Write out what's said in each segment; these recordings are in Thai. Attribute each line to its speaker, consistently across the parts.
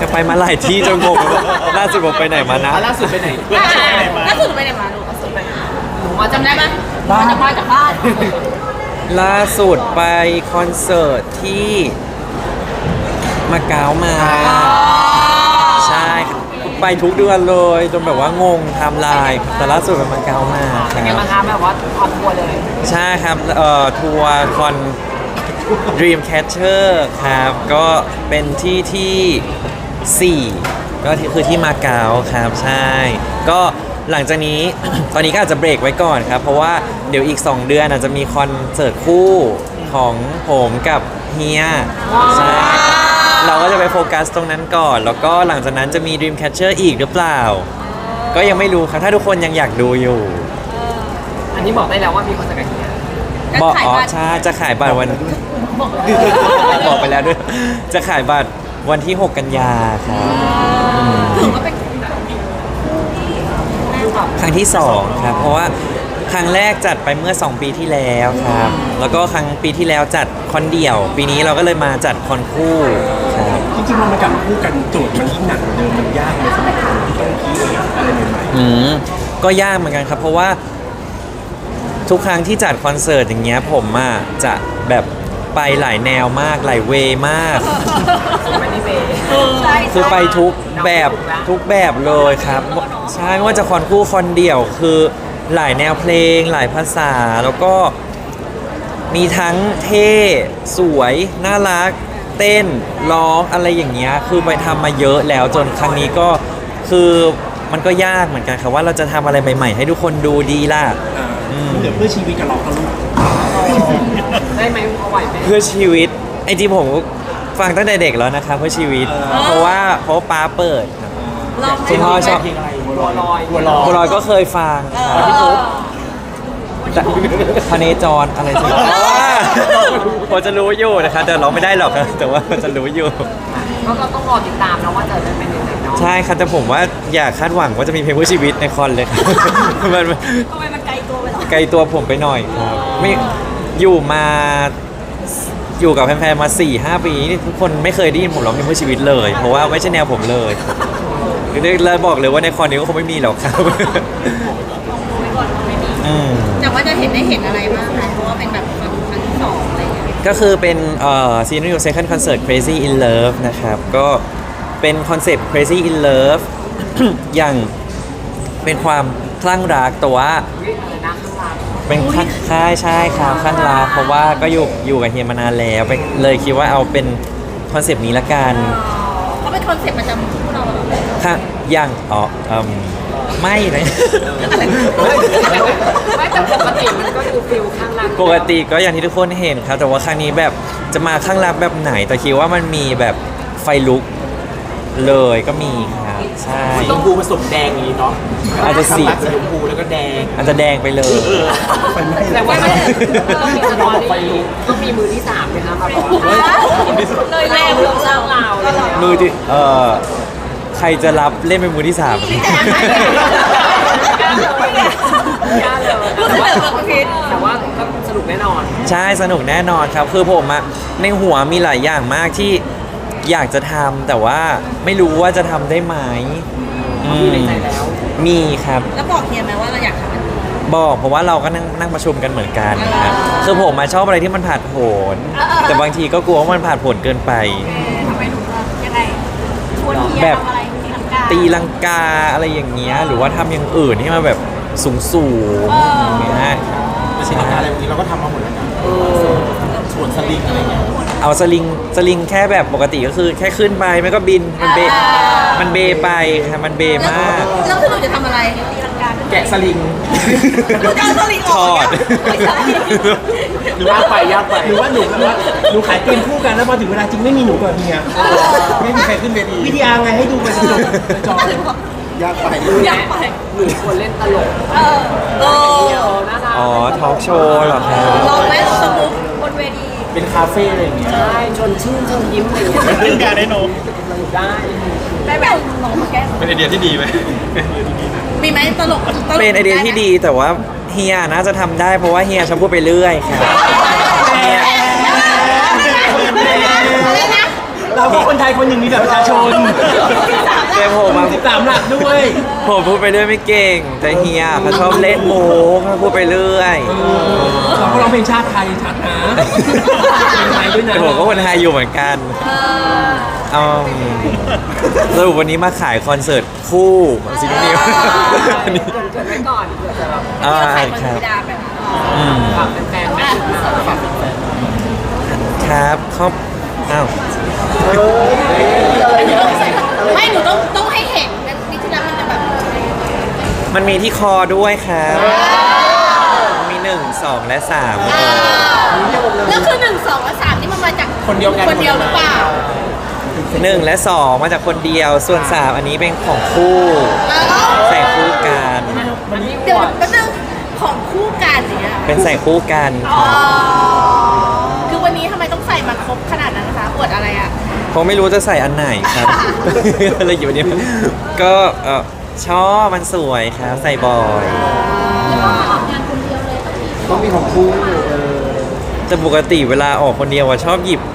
Speaker 1: ไปมาหลายที่จนงงล่าสุดผมไปไหนมานะ
Speaker 2: ล่าสุดไปไหน
Speaker 3: ล่าสุดไปไหนมาลูกล่าสุดไปไหนมาหนูจำได้ไหมมาจากบ้าน
Speaker 1: ล่าสุดไปคอนเสิร์ตที่มาเก๊ามาใช่ครับไปทุกเดือนเลยจนแบบว่างงไทม์ไลน์แต่ล่าสุดไปมาเก๊ามาค
Speaker 2: เป็นไง
Speaker 1: รับ
Speaker 2: บ้างคะแบบว่าคอนทัวร์เลย
Speaker 1: ใช่ครับทัวร์คอน Dreamcatcher ครับก็เป็นที่4ก็คือที่มาเก๊าครับใช่ก็หลังจากนี้ ตอนนี้ก็อาจจะเบรกไว้ก่อนครับเพราะว่าเดี๋ยวอีก 2 เดือนอาจจะมีคอนเสิร์ตคู่ของผมกับเฮียใช่เราก็จะไปโฟกัสตรงนั้นก่อน แล้วก็หลังจากนั้นจะมี Dreamcatcher อีกหรือเปล่า ก็ยังไม่รู้ครับถ้าทุกคนยังอยากดูอยู่
Speaker 2: อันนี้บอกได้แล้วว่ามีคอนเสิร์ตกับเฮีย
Speaker 1: บอกอ๋อใช่จะขายบัตรวัน บอกไปแล้วด้วย จะขายบัตรวันที่ 6 กันยาครับ
Speaker 3: ถือว่าเป็น
Speaker 1: ครั้งที่ 2 ครับ เพราะว่าครั้งแรกจัดไปเมื่อ 2 ปีที่แล้วครับ แล้วก็ปีที่แล้วจัดคอนเดี่ยว ปีนี้เราก็เลยมาจัดคอนคู่ครับ
Speaker 4: จริงๆมันกลับมาคู่กันโจทย์มันยิ่งหนักกว่าเดิมมันยากเลยสำหรับคนที่ต้องคิดอะไรใหม่
Speaker 1: ก็ยากเหมือนกันครับ เพราะว่าทุกครั้งที่จัดคอนเสิร์ตอย่างเงี้ยผมอ่ะจะแบบไปหลายแนวมากหลายเวย์มาก
Speaker 2: ไม่ได้เบย์
Speaker 3: ใช่
Speaker 1: คือไปทุกแบบเลยครับใช่ไม่ว่าจะคอนคู่คอนเดี่ยวคือหลายแนวเพลงหลายภาษาแล้วก็มีทั้งเท่สวยน่ารักเต้นร้องอะไรอย่างเงี้ยคือไปทำมาเยอะแล้วจนครั้งนี้ก็คือมันก็ยากเหมือนกันครับว่าเราจะทำอะไรใหม่ๆให้ทุกคนดูดีล่ะ
Speaker 4: เดี๋ยวเพื่อชีวิตกับเราเขาลูก
Speaker 2: ได้ไหมเอาไหวไหม
Speaker 1: เพื่อชีวิตไอ้จริงผมฟังตั้งแต่เด็กแล้วนะครับเพื่อชีวิตเพราะว่าป้าเปิดครับ
Speaker 3: ลอง
Speaker 1: คุณพ่อชอบ
Speaker 4: เพลงอะไร
Speaker 2: บัวลอย
Speaker 4: บัวลอย
Speaker 1: บัวลอยก็เคยฟังครับแต่พเนจรอะไรสิพอจะรู้อยู่นะครับแต่ร้องไม่ได้หรอกครับแต่ว่าพอจะรู้อยู่
Speaker 2: ก็เราต้องรอติดตามนะว่าจะเป็นยังไงเนาะ
Speaker 1: ใช่ครับแต่ผมว่าอย่าคาดหวังว่าจะมีเพลงเพื่อชีวิตในคอนเลยครับ มัน
Speaker 3: ทำไมมันไกลตัวไปหรอ
Speaker 1: ไกลตัวผมไปหน่อยครับไม่อยู่กับแฟนๆมา 4-5 ปีนี่ทุกคนไม่เคยได้ยินผมร้องเพลงเพื่อชีวิตเลย เพราะว่าไม่ใช่แนวผมเลยเลยบอกเลยว่าในคอนนี้ก็คงไม่มีหรอกครับ
Speaker 3: แต่ว่าจะเห็นอะไรบ้างคะเพราะว่าเป็นแบบครั้งที่สองอะไรอย่างเงี้ย
Speaker 1: ก็คือเป็นSenior Second Concert Crazy in Love นะครับ ก็เป็นคอนเซปต์ Crazy in Love อย่างเป็นความคลั่งรักแต่ว่า
Speaker 2: อะไรนะข้างหลัง
Speaker 1: เป็นใช่ครับคลั่งรักเพราะว่าก็อยู่กับเฮียมานานแล้วเลยคิดว่าเอาเป็นคอนเซปต์นี้ละกัน
Speaker 3: เขาเป็นคอนเซ็ปต์ประจำคู่เราเหรอ
Speaker 1: ค่ะอย่างไม่นะ
Speaker 2: ไม่แต่ปกติมันก็ดูฟิลข้างหลัง
Speaker 1: ปกติก็อย่างที่ทุกคนเห็นครับ แต่ว่าครั้งนี้แบบจะมาข้างรักแบบไหน แต่คิดว่ามันมีแบบไฟลุกเลยก็มีครับใช่
Speaker 4: ชมพูผสมแดงอย่างนี้เนาะ
Speaker 1: อาจจะสี
Speaker 4: ชมพูแล้วก็แดง
Speaker 1: อาจจะแดงไปเลย
Speaker 4: ไปไม่
Speaker 2: แต่ว่ามันต้องมีสตอรี่ต้องมีมือที่3ไหมคะมาบอกเลยแรงเราเล่าเราเลย
Speaker 1: มือที่ใครจะรับเล่นเป็นมือที่ 3
Speaker 2: ยากเลยแต่ว่าก็สนุกแน่นอน
Speaker 1: ใช่สนุกแน่นอนครับ คือผมอะในหัวมีหลายอย่างมากที่อยากจะทำแต่ว่าไม่รู้ว่าจะทำได้ไหม
Speaker 2: มีในใจแล้ว
Speaker 1: มีครับ
Speaker 3: แล้วบอกเฮียไหมว่าเราอยากทำอันนี้
Speaker 1: บอกเพราะว่าเราก็นั่งประชุมกันเหมือนกันครับคือผมมาชอบอะไรที่มันผาดโผนแต่บางทีก็กลัวว่ามันผาดโผนเกินไป
Speaker 3: ทำไมหนูยังไงชวนเฮีย
Speaker 1: แบบ
Speaker 3: ทำอะไรตีลังกา
Speaker 1: ตีลังกาอะไรอย่างเงี้ยหรือว่าทำอย่างอื่นที่มันแบบสูงอย่างเงี้ย
Speaker 4: ใช่อะไรแบบนี้เราก็ทำมาหมดแล้วนะส่วนสลิงอะไรเงี้ย
Speaker 1: เอาสลิงแค่แบบปกติก็คือแค่ขึ้นไปไม่ก็บินมันเบไปครับมันเบมาก
Speaker 3: แล้วคือหนูจะทำอะไรตีลังกา
Speaker 4: แกะสลิง
Speaker 3: หนูจะเอาสลิงออก
Speaker 1: ถอด
Speaker 3: ไม่ใช่
Speaker 4: หรือว่าหรือว่าหนูขายเกมคู่กันแล้วพอถึงเวลาจริงไม่มีหนูกับเฮียไม่มีใครขึ้นเวทีวิทยาไงให้ดูไปจอยากไป
Speaker 3: อยากไป
Speaker 2: หนูควรเล่นตลก
Speaker 3: เออ
Speaker 2: น่ารัก
Speaker 1: อ๋อทอล์กโชว์เหรอครับ
Speaker 3: ลองไหมลองสมุกบนเวที
Speaker 4: เป็นคาเฟ่อะไรอย่างเงี้ย
Speaker 2: ใช่ชวนชื่นชวนยิ้มอะไรอย่างเงี้ย
Speaker 4: เล่นการได้นม
Speaker 2: ได้
Speaker 3: ได้แบบลองมาแก้
Speaker 4: เป็นไอเดียที่ดีไหม
Speaker 3: มีไหมตลก
Speaker 1: เป็นไอเดียที่ดีแต่ว่าเฮียน่าจะทำได้เพราะว่าเฮียชอบพูดไปเรื่อยครับเฮีย
Speaker 3: อะไรนะ
Speaker 4: เราเราก็คนไทยคนหนึ่งมีแบบประชาชน
Speaker 1: แต่ผมอะ
Speaker 4: 13 หลักด้วย
Speaker 1: ผมพูดไปเรื่อยไม่เก่ง แต่เฮียเขาชอบเล่นมุกเขาพูดไปเรื่อย
Speaker 4: เราก็ร้องเพลงชาติไทยชัดนะเพลงไทยด้วยนะ
Speaker 1: แต่ผมก็คนไทยอยู่เหมือนกันสรุปวันนี้มาขายคอนเสิร์ตคู่ของซินนิวอันนี้
Speaker 2: เกิดไว้ก่อนเผื่อจะแบบ
Speaker 1: อ่า
Speaker 3: ใคร
Speaker 1: ครับ
Speaker 3: มันดาแบบ
Speaker 1: อืม
Speaker 2: ฝากแฟนๆไหมฝากแฟน
Speaker 1: ครับครอบอ้าว
Speaker 3: ไม่หนูต้องให้เห็นนี่ที่แล้วมันจะแบบ
Speaker 1: มันมีที่คอด้วยครับมี1 2 และ 3
Speaker 3: แล้วคือ1 2และ3นี่มันมาจากคนเดียวหรือเปล่า
Speaker 1: 1 และ 2 มาจากคนเดียว ส่วน 3 อันนี้เป็นของคู่ ใส่คู่กัน
Speaker 3: เดี๋ยวแป๊บนึงของคู่กันเนี่ย
Speaker 1: เป็นใส่คู่กัน
Speaker 3: อ๋อคือวันนี้ทำไมต้องใส่มาครบขนาดนั้นนะคะอวดอะไรอ่ะ
Speaker 1: ผมไม่รู้จะใส่อันไหนครับ อะไรอยู่วันนี้ก็ชอบมันสวยครับ ใส่บ่อย
Speaker 4: ต้องมีของคู่
Speaker 1: แต่ปกติเวลาออกคนเดียวอะชอบหยิบ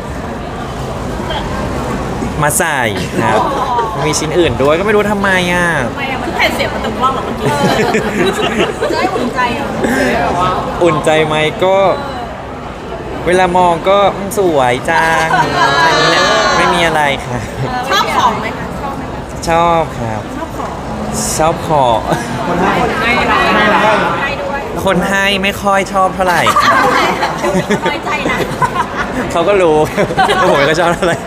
Speaker 1: มาใส่ครับ มีชิ้นอื่นด้วยก็ไม่รู้ทำไมอ่ะ
Speaker 3: ทำไมอ่ะมันแผ่นเสียงมันตกล่องเหรอเมื่อกี้จะได้อุ่นใจเหรอ
Speaker 1: อุ่นใจไหมก็ เวลามองก็สวยจังอันนี้แหละไม่มีอะไรค่ะ
Speaker 3: ชอบของไหมคะชอบไหมคะ
Speaker 1: ชอบครับ ชอบของ
Speaker 2: ให้เราให้เรา
Speaker 3: ให้ด้วย
Speaker 1: คนให้ไม่ค่อยชอบเท่าไหร่ครับ
Speaker 3: น้อยใจนะ
Speaker 1: เขาก็รู้ ว่าผมก็ชอบเท่าไหร่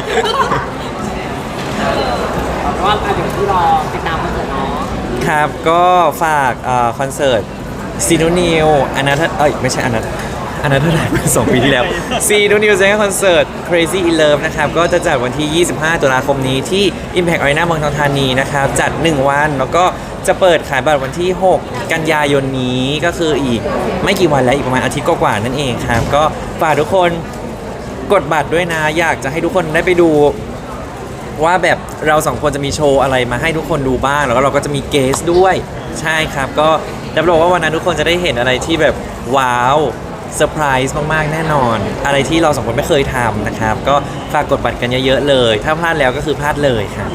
Speaker 2: ว่าเดี๋ยวที่รอติดตามคอนเสิร์ตเนาะ
Speaker 1: ครับก็ฝากคอนเสิร์ตซีนูนิวอนัทไม่ใช่อนัทเท่าไหร่ 2 ปีที่แล้วซีนูนิวเซนคอนเสิร์ต Crazy in Love นะครับก็จะจัดวันที่ 25 ตุลาคมนี้ที่ Impact Arena เมืองทองธานีนะครับจัด 1 วันแล้วก็จะเปิดขายบัตรวันที่ 6 กันยายนนี้ก็คืออีกไม่กี่วันแล้วอีกประมาณอาทิตย์กว่าๆนั่นเองครับก็ฝากทุกคนกดบัตรด้วยนะอยากจะให้ทุกคนได้ไปดู ว่าแบบเรา2 คนจะมีโชว์อะไรมาให้ทุกคนดูบ้างแล้วก็เราก็จะมีเกสด้วยใช่ครับก็รับรองว่าวันนั้นทุกคนจะได้เห็นอะไรที่แบบว้าวเซอร์ไพรส์มากๆแน่นอน อะไรที่เรา2 คนไม่เคยทำนะครับก็ฝากกดบัตรกันเยอะๆเลย ถ้าพลาดแล้วก็คือพลาดเลยครับ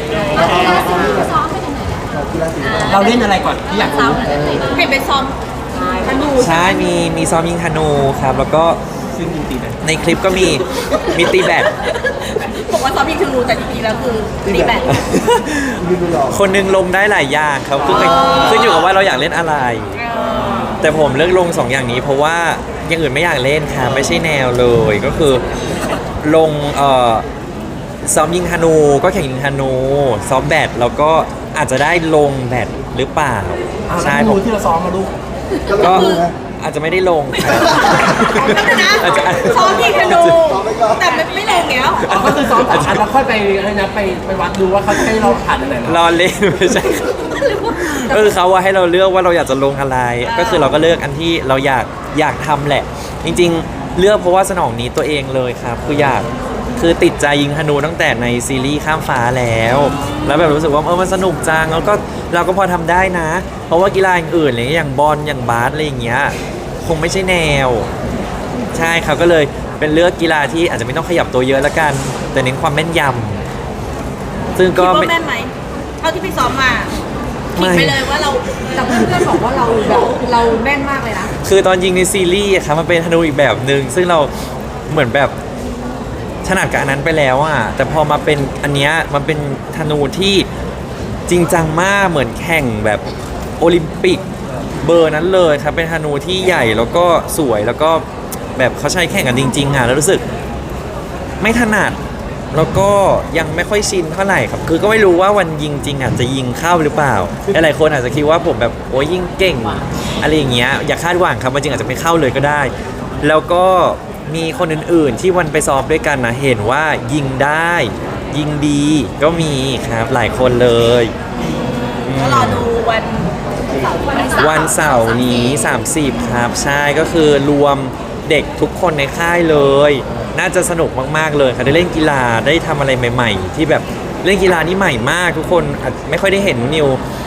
Speaker 4: เราเล่นอะไรก่อนที่อยากรู้
Speaker 3: เห็นเป็นซ้อมธนู
Speaker 1: ใช่มีซ้อมยิงธนูครับแล้วก็
Speaker 4: ซึ่งจริงๆนะ
Speaker 1: ในคลิปก็มีตีแบด
Speaker 3: บอกว่าซ้อมยิงธนูแต่จริงๆแล้วคือตีแบด
Speaker 1: คนหนึงลงได้หลายอย่างครับขึ้นอยู่กับว่าเราอยากเล่นอะไร แต่ผมเลือกลง2 อย่างนี้เพราะว่าอย่างอื่นไม่อยากเล่นค่ะไม่ใช่แนวเลยก็คือลงซ้อมยิงธนูก็แข่งยิงธนูซ้อมแบดแล้วก็อาจจะได้ลงแบดหรือเปล่า
Speaker 4: ใช่
Speaker 1: ใช่
Speaker 4: ผ
Speaker 1: ผม ม
Speaker 4: ที่เราซ้อมมาลูก
Speaker 1: ก็อาจจะไม่ได้ลงครับ
Speaker 3: นะ
Speaker 1: อาจจะ
Speaker 3: ซ้อมยิงธนูแต่ไม่ลงแล้ว
Speaker 4: อ๋อก็คือซ้อม3 อันแล้วค่อยไปอะไรนะไปวัดดูว่าเขาจะให้เราผ่านอะไรนะ
Speaker 1: รอเล่นไม่ใช่ครับก็คือเขาว่าให้เราเลือกว่าเราอยากจะลงอะไร ก็คือเราก็เลือกอันที่เราอยากทำแหละ จริงๆเลือกเพราะว่าสนองนี้ตัวเองเลยครับคือติดใจยิงธนูตั้งแต่ในซีรีส์ข้ามฟ้าแล้วแบบรู้สึกว่ามันสนุกจังแล้วก็เราก็พอทำได้นะ เพราะว่ากีฬาอื่นๆอะไรอย่างบอลอย่างบาสอะไรอย่างเงี้ยคงไม่ใช่แนว ใช่ครับก็เลยเป็นเลือกกีฬาที่อาจจะไม่ต้องขยับตัวเยอะแล้วกัน แต่เน้นความแม่นยำซึ่ง
Speaker 3: คิด
Speaker 1: ก็
Speaker 3: ว่า
Speaker 1: ไม่
Speaker 3: แม่นไหมเท่าที่ไปซ้อมมาคิด
Speaker 1: ไม่
Speaker 3: ไปเลยว่าเรา
Speaker 2: แต่เพื่อนๆบอกว่าเราแบบเราแม่นมากเลยนะ
Speaker 1: คือตอนยิงในซีรีส์อะครับมันเป็นธนูอีกแบบหนึ่งซึ่งเราเหมือนแบบถนัดกับอันนั้นไปแล้วอ่ะแต่พอมาเป็นอันเนี้ยมันเป็นธนูที่จริงจังมากเหมือนแข่งแบบโอลิมปิกเบอร์นั้นเลยครับเป็นธนูที่ใหญ่แล้วก็สวยแล้วก็แบบเขาใช้แข่งกันจริงๆอ่ะแล้วรู้สึกไม่ถนัดแล้วก็ยังไม่ค่อยชินเท่าไหร่ครับคือก็ไม่รู้ว่าวันยิงจริงอ่ะจะยิงเข้าหรือเปล่าหลายๆคนอาจจะคิดว่าผมแบบโอ้ยยิงเก่งอะไรอย่างเงี้ยอย่าคาดหวังครับวันจริงอาจจะไม่เข้าเลยก็ได้ แล้วก็มีคนอื่นๆที่วันไปซ้อมด้วยกันนะเห็นว่ายิงได้ยิงดีก็มีครับหลายคนเลยอืม
Speaker 3: ก็รอดูวันเสาร์
Speaker 1: วันเสาร์นี้ 30 ครับ ใช่ก็คือรวมเด็กทุกคนในค่ายเลย น่าจะสนุกมากๆเลยค่ะได้เล่นกีฬาได้ทำอะไรใหม่ๆ ที่แบบเล่นกีฬานี่ใหม่มากทุกคนอาจไม่ค่อยได้เห็นนิว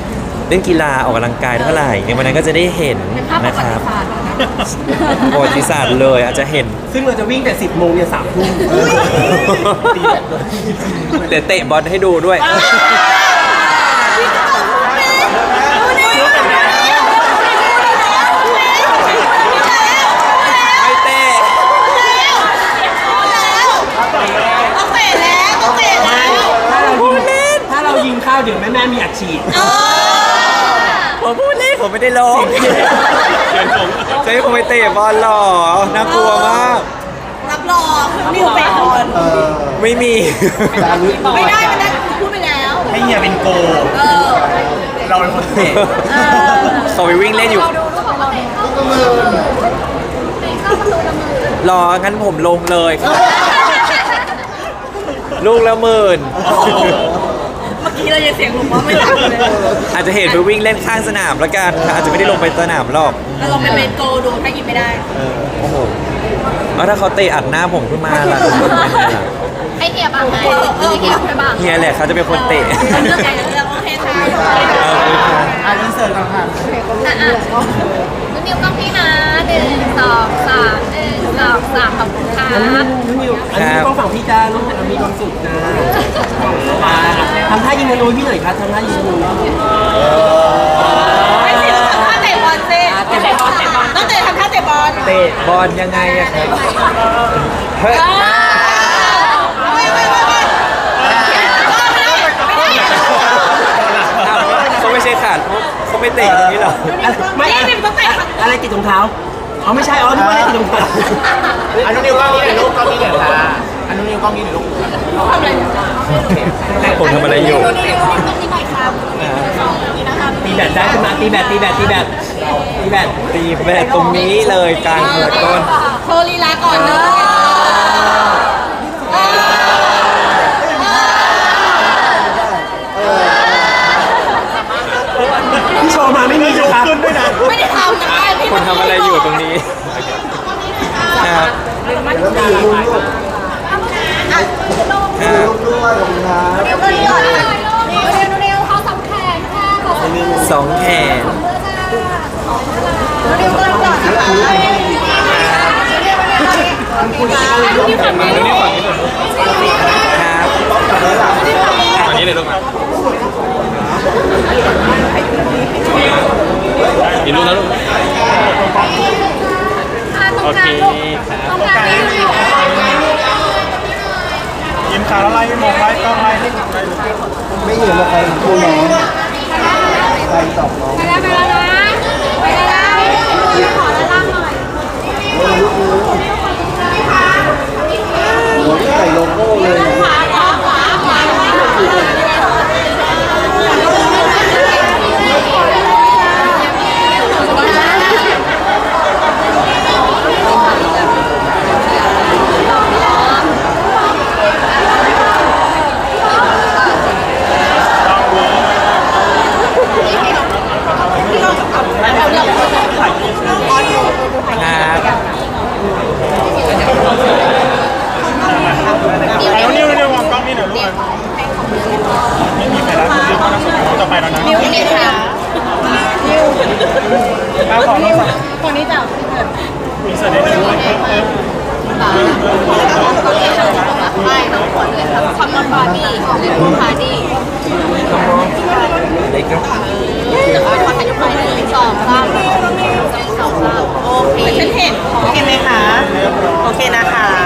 Speaker 1: เล่นกีฬาออกกำลังกายเท่าไหร่ในวันนั้นก็จะได้เห็น
Speaker 3: เป็นภาพประ
Speaker 1: นะค
Speaker 3: วั
Speaker 1: รับ
Speaker 3: ติศาสตร์นะ
Speaker 1: ประวัติศาสตร์เลยอาจจะเห็น
Speaker 4: ซึ่งเราจะวิ่งแต่ 10 โมงเนี่ย3 ทุ่มตีแบตด้วย
Speaker 1: เดี๋ยวเตะบอลให้ดูด้วย ไม่เตะ
Speaker 3: ต้องเตะแล้วต้องเตะแล้ว
Speaker 4: ถ้าเรายิงข้าวเดี๋ยวแม่มีอัดฉีด
Speaker 1: ผมพูดเล่นผมไม่ได้ลงจะให้ผมไปเตะบอลหรอน่ากลัวมาก
Speaker 3: รับรองนิวเตะบอล
Speaker 1: ไม่มี
Speaker 3: ไม่ได้พูดไปแล้ว
Speaker 4: ให้เฮียเป็นโก
Speaker 3: เออ
Speaker 4: เราเป็นคนเตะ
Speaker 1: เขาไปวิ่งเล่นอยู่ รองั้นผมลงเลยครับลูกละหมื่น
Speaker 3: เมื่อกี้เรายังเสียงหลงว่าไม่รักเลย
Speaker 1: อาจจะเห็นไปวิ่งเล่นข้างสนามแล้วกันอาจจะไม่ได้ลงไปสนามหรอก
Speaker 3: เราลองไปเป็นโกดูถ้ายิงไม่ได้
Speaker 1: โอ้โหแล้วถ้าเขาเตะอัดหน้าผมขึ้นมาล่ะเป็นไงล่ะ
Speaker 3: ให้เฮียบ้างไงให้เฮียบ้าง
Speaker 1: เฮียแหละเขาจะเป็นคนเตะ
Speaker 3: เลือกใครเลือกโอเคค่ะ
Speaker 4: อินเสิร์ตก่อนค่ะ
Speaker 3: นุ่นนิวกล้องพี่นะ1 2 3 1 2 3ขอบคุณค่ะ
Speaker 4: อันนี้นิวอันนี้ต้องฝั่งพี่จ้าลูกมีความสุขนะทำท่ายิงธนูพี่หน่อยครับทำท่ายิงธนู
Speaker 3: ไม่สิเราทำท่าเตะบอลสิเตะบอลต้องเตะทำท่าเตะบอล
Speaker 1: เตะบอลยังไงอะครับเฮ้ยเขาไม่ใช่ขาดเขาไม่เตะตรงนี้หรอ
Speaker 4: ไม่อะไรติดรองเท้าอ๋อไม่ใช่อ๋อนึกว่าอะไรติดรองเท้า
Speaker 5: อันนู้นนิ้วกล้องนี้หน่อยลูกกล้องนี้หน่อยค่ะอันนู้นนิ้วกล้องนี้หน่อยลูก
Speaker 1: ผมทำอะไรอยู่
Speaker 4: ตีแบตได้ขึ้นมาตีแบตตีแบตตีแบตตีแบต
Speaker 1: ตีแบตตรงนี้เลยกลางหัวต้น
Speaker 3: โชว์ลีลาก่อนเลย
Speaker 4: พี่โชว์มาไม่มีนะครับ
Speaker 3: ไม่ได้ทำนะพี่
Speaker 1: คนทำอะไรอยู่ตรงนี้ครับครับ
Speaker 3: เดี๋ยวก็หย่อนเร็วเขาสองแขนค่ะเขาสองแขน
Speaker 1: สองแขน
Speaker 3: เร็วก็หย่อนนะคะนี่ฝั่งนี้นี่ฝั่งนี้
Speaker 1: ครับอันนี้เลยลูกมาอีกลูกนะลูกโอเคครับ
Speaker 3: ตรงกลางนี่
Speaker 5: ยิ้มขาแล้วไล่ไม่มองไล่กล้องไล่ให้ไล่
Speaker 6: ไม่เห็นว่าใครคู่น้องใครตอบน้อง
Speaker 3: ไปแล้วนะไปแล้วขอแล้วล่างหน่อย
Speaker 6: หัวที่ใส่โลโก้เลย
Speaker 3: ขวาขวาขวาขวา
Speaker 5: แล้วนิ้ววางกล้องนี่หน่อยลูกไม่มีใครรับนิ้วต่อไปแล้วนะ
Speaker 3: นิ้วนี่ค่ะ
Speaker 5: ข้าวของน้องสั่ง
Speaker 3: คนนี้จับ
Speaker 5: มีเสด็จด้วย
Speaker 3: ไม่ทั้งหมดเลยค่ะคอมมอนบอดี้เลโก้พาร์ตี้
Speaker 1: เล็กครับ
Speaker 3: ขอถ่ายรูปไป1 2 3 1 2 3โอเคฉันเห็นโอเคไหมคะโอเคนะคะ